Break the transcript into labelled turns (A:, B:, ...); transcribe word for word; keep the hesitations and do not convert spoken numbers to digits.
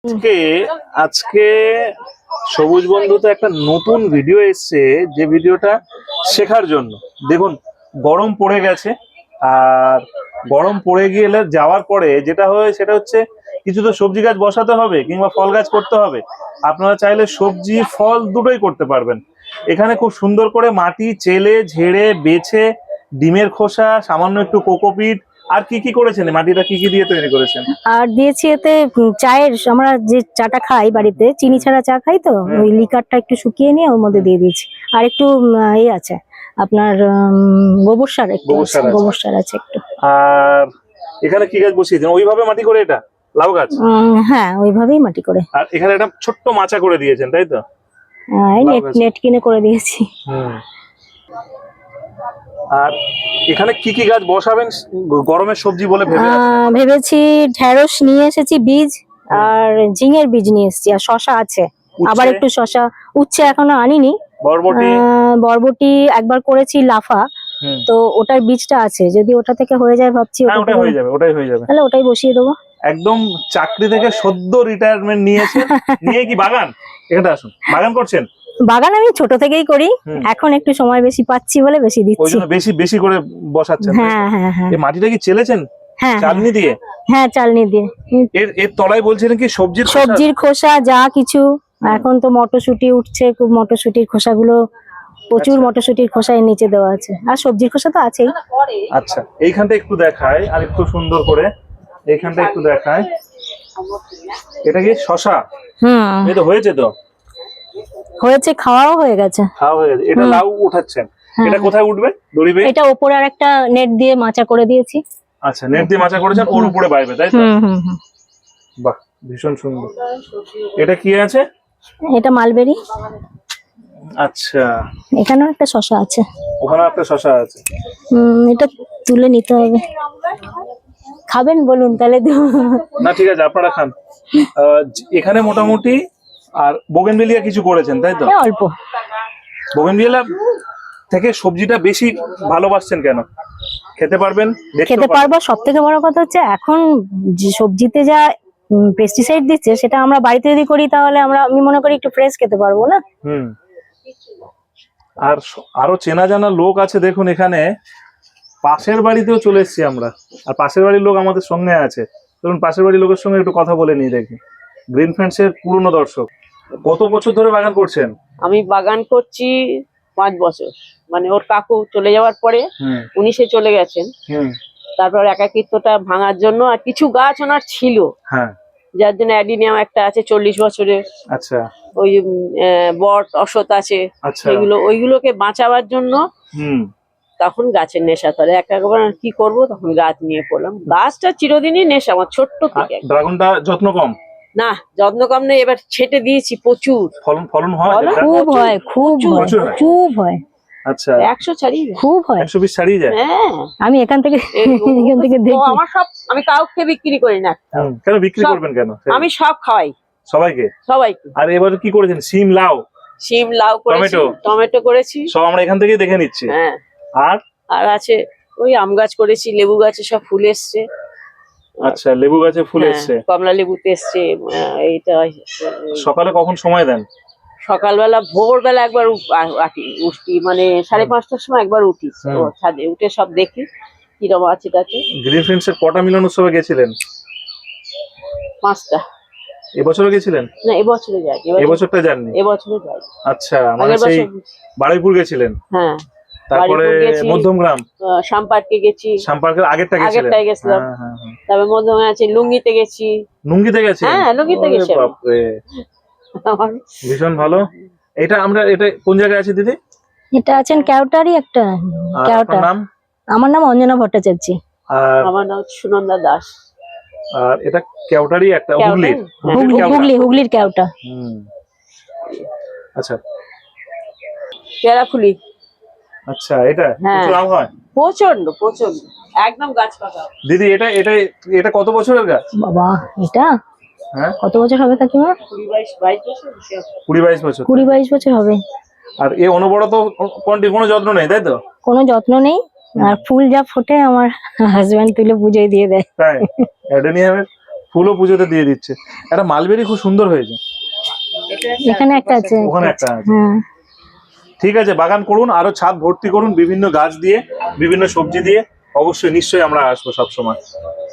A: আজকে আজকে সবুজ বন্ধুতে একটা নতুন ভিডিও এসছে, যে ভিডিওটা শেখার জন্য। দেখুন, গরম পড়ে গেছে, আর গরম পড়ে গেলে যাওয়ার পরে যেটা হয় সেটা হচ্ছে কিছু তো সবজি গাছ বসাতে হবে কিংবা ফল গাছ করতে হবে। আপনারা চাইলে সবজি ফল দুটোই করতে পারবেন। এখানে খুব সুন্দর করে মাটি চেলে ঝেড়ে বেছে ডিমের খোসা, সামান্য একটু কোকোপিট, আর কি কি করেছেন? মাটিটা কি কি দিয়ে তৈরি করেছেন?
B: আর দিয়েছি এতে চায়ের, আমরা যে চাটা খাই বাড়িতে, চিনি ছাড়া চা খাই, তো ওই লিকারটা একটু শুকিয়ে নিয়ে ওর মধ্যে দিয়ে দিয়েছি। আর একটু এই আছে আপনার গোবর সার, একটু গোবর সার আছে একটু।
A: আর এখানে কি গাছ বসিয়েছেন? ওইভাবে মাটি করে? এটা লাউ গাছ?
B: হ্যাঁ, ওইভাবেই মাটি করে।
A: আর এখানে একটা ছোট্ট মাচা করে দিয়েছেন, তাই তো?
B: হ্যাঁ, নেট নেট কিনে করে দিয়েছি।
A: হুম। আর এখানে কি কি গাছ বসাবেন গরমের সবজি বলে
B: ভেবেছি? ঢেঁড়স নিয়ে এসেছি বীজ, আর ঝিঙের বীজ নিয়ে এসেছি, আর শশা আছে, আবার একটু শশা। উচ্ছে এখনো আনিনি।
A: বরবটি
B: বরবটি একবার করেছি লাফা, তো ওটার বীজটা আছে, যদি ওটা থেকে হয়ে যায় ভাবছি।
A: ওটা হয়ে যাবে, ওটাই হয়ে যাবে,
B: তাহলে ওটাই বসিয়ে দেবো।
A: একদম চাকরি থেকে সদ্য রিটায়ারমেন্ট নিয়েছে, নিয়ে কি বাগান? এখানে আসুন, বাগান করছেন?
B: বাগান আমি ছোট থেকেই করি, এখন একটু সময় বেশি পাচ্ছি বলে বেশি দিচ্ছি।
A: ওইজন্য বেশি বেশি করে বসাচ্ছেন।
B: হ্যাঁ হ্যাঁ হ্যাঁ।
A: এই মাটিটা কি চেলেছেন?
B: হ্যাঁ,
A: চালনি দিয়ে?
B: হ্যাঁ, চালনি দিয়ে।
A: এর এর তলায় বলছিলেন কি সবজির খোসা?
B: সবজির খোসা যা কিছু। এখন তো মটরশুঁটি উঠছে, খুব মটরশুঁটির খোসাগুলো, প্রচুর মটরশুঁটির খোসা এর নিচে দেওয়া আছে, আর সবজির খোসা তো আছেই।
A: আচ্ছা, এইখানটা একটু দেখায় আর একটু সুন্দর করে, এইখানটা একটু দেখায়। এটা কি শশা? হুম, এই তো হয়েছে, তো
B: হয়েছে, খাওয়াও হয়ে গেছে।
A: খাওয়া হয়ে গেছে। এটা লাউ উঠাচ্ছেন? এটা কোথায় উঠবে? দড়ি বেয়ে?
B: এটা উপরে আর একটা নেট দিয়ে মাচা করে দিয়েছি।
A: আচ্ছা, নেট দিয়ে মাচা করেছেন, ওর উপরে বাইবে, তাই তো? হুম হুম। বাহ, ভীষণ সুন্দর। এটা কি আছে?
B: এটা মালবেরি।
A: আচ্ছা,
B: এখানেও একটা শশা আছে,
A: ওখানে একটা শশা আছে।
B: হুম, এটা তুলে নিতে হবে। খাবেন বলুন তাহলে?
A: না, ঠিক আছে, আপনারা খান। এখানে মোটামুটি আর বোগেনভেলিয়া কিছু করেছেন, তাই তো?
B: অল্প।
A: বোগেনভেলিয়া থেকে সবজিটা বেশি ভালোবাসছেন কেন? খেতে পারবেন,
B: খেতে পারবো। সব থেকে বড় কথা হচ্ছে এখন যে সবজিতে যা পেস্টিসাইড দিচ্ছে, সেটা আমরা বাড়িতে যদি করি তাহলে আমরা, আমি মনে করি, একটু ফ্রেশ খেতে পারবো না।
A: হুম। আর আরো চেনা জানা লোক আছে, দেখুন এখানে পাশের বাড়িতেও চলে এসেছি আমরা, আর পাশের বাড়ির লোক আমাদের সঙ্গে আছে। ধরুন, পাশের বাড়ির লোকের সঙ্গে একটু কথা বলে নিই, দেখি। গ্রিন ফ্রেন্ডস এর পুরনো দর্শক। কত বছর ধরে বাগান করছেন?
C: আমি বাগান করছি পাঁচ বছর, মানে ওর কাকু চলে যাওয়ার পরে উনি সে চলে গেছেন। তারপর একাকিত্বটা ভাঙার জন্য, আর কিছু গাছ ওনার ছিল, যার জন্য অ্যাডিনিয়াম একটা আছে চল্লিশ বছরের।
A: আচ্ছা।
C: ওই বট অশ্বত আছে, সেগুলো ওইগুলোকে বাঁচাবার জন্য তখন গাছের নেশা ধরে। একবার কি করব, তখন গাছ নিয়ে পড়লাম। গাছটা চিরদিনই নেশা আমার, ছোট্ট থেকে।
A: ড্রাগনটা যত্ন কম?
C: না, যত্ন কম নেই, এবার ছেটে দিয়েছি প্রচুর।
A: ফলন ফলন হয়?
B: খুব হয়, খুব খুব হয়।
A: আচ্ছা,
C: একশো ছাড়িয়ে যায়,
B: খুব হয়,
A: একশো বিশ ছাড়িয়ে যায়।
C: হ্যাঁ,
B: আমি এখান থেকে এখান থেকে দেখি।
C: আমার সব, আমি কাউকে বিক্রি করি না।
A: কেন বিক্রি করবেন কেন?
C: আমি সব খাওয়াই
A: সবাইকে।
C: সবাইকে।
A: আর এবারে কি করেছেন? সিম, লাউ?
C: সিম, লাউ করেছি, টমেটো করেছি,
A: সব আমরা এখান থেকেই দেখে নিচ্ছি।
C: হ্যাঁ।
A: আর
C: আর আছে ওই আম গাছ করেছি, লেবু গাছে সব ফুল এসছে।
A: আচ্ছা, লেবু গাছে ফুল এসছে,
C: কমলা লেবুতে এসছে। এইটা
A: সকালে কখন সময় দেন?
C: সকালবেলা ভোরবেলা একবার উঠি, মানে সাড়ে পাঁচটার সময় একবার উঠি, ছাদে উঠে সব দেখি কিরকম আছে তাতে।
A: গ্রিন ফ্রেন্ডস এর কটা মিলন উৎসবে গেছিলেন?
C: পাঁচটা।
A: এবছরও গেছিলেন?
C: না, এবছরে যাই।
A: এবছরটা যাননি?
C: এবছরে যাই।
A: আচ্ছা, মানে সেই বারুইপুর গেছিলেন?
C: হ্যাঁ।
A: তারপরে মধ্যমগ্রাম,
C: সাম্পার্কে গেছি।
A: সাম্পার্কের আগেরটা গেছিলেন?
C: আগেরটাই গেছিলাম। তারপরে মধ্যমগ্রামে আছে, লুঙ্গিতে গেছি।
A: লুঙ্গিতে গেছি?
C: হ্যাঁ, লুঙ্গিতে গেছি।
A: বাপরে, ভীষণ ভালো। এটা আমরা, এটা কোন জায়গায় আছে দিদি?
B: এটা আছেন কেওটারই একটা। কেওটা।
A: নাম?
B: আমার নাম অঞ্জনা ভট্টাচার্য।
C: আর আমার নাম সুনন্দা দাস।
A: আর এটা কেওটারই একটা, হুগলির?
B: হুগলি, হুগলির কেওটা।
A: হুম। আচ্ছা,
C: পেয়ারা ফুলি।
A: আচ্ছা, এটা প্রচুর আম হয়?
C: প্রচন্ড প্রচন্ড, একদম গাছ পাকা।
A: দিদি, এটা এটা এটা কত বছরের গাছ?
B: বাবা, এটা হ্যাঁ কত বছর হবে কাকিমা?
C: কুড়ি বাইশ বাইশ বছর।
A: কুড়ি বাইশ বছর?
B: কুড়ি বাইশ বছর হবে।
A: আর এ অনবরত কোনো যত্ন নেই, তাই তো?
B: কোনো যত্ন নেই, আর ফুল যা ফোটে আমার হাজবেন্ড তুলে পুজোয় দিয়ে দেয়।
A: তাই? অ্যাডেনিয়ামের ফুলও পুজোতে দিয়ে দিচ্ছে। একটা মালবেরি খুব সুন্দর হয়েছে,
B: এখানে একটা আছে,
A: ওখানে একটা আছে।
B: হ্যাঁ
A: ঠিক আছে, বাগান করুন, আরো ছাদ ভর্তি করুন বিভিন্ন গাছ দিয়ে, বিভিন্ন সবজি দিয়ে। অবশ্যই নিশ্চয়ই আমরা আসবো সবসময়।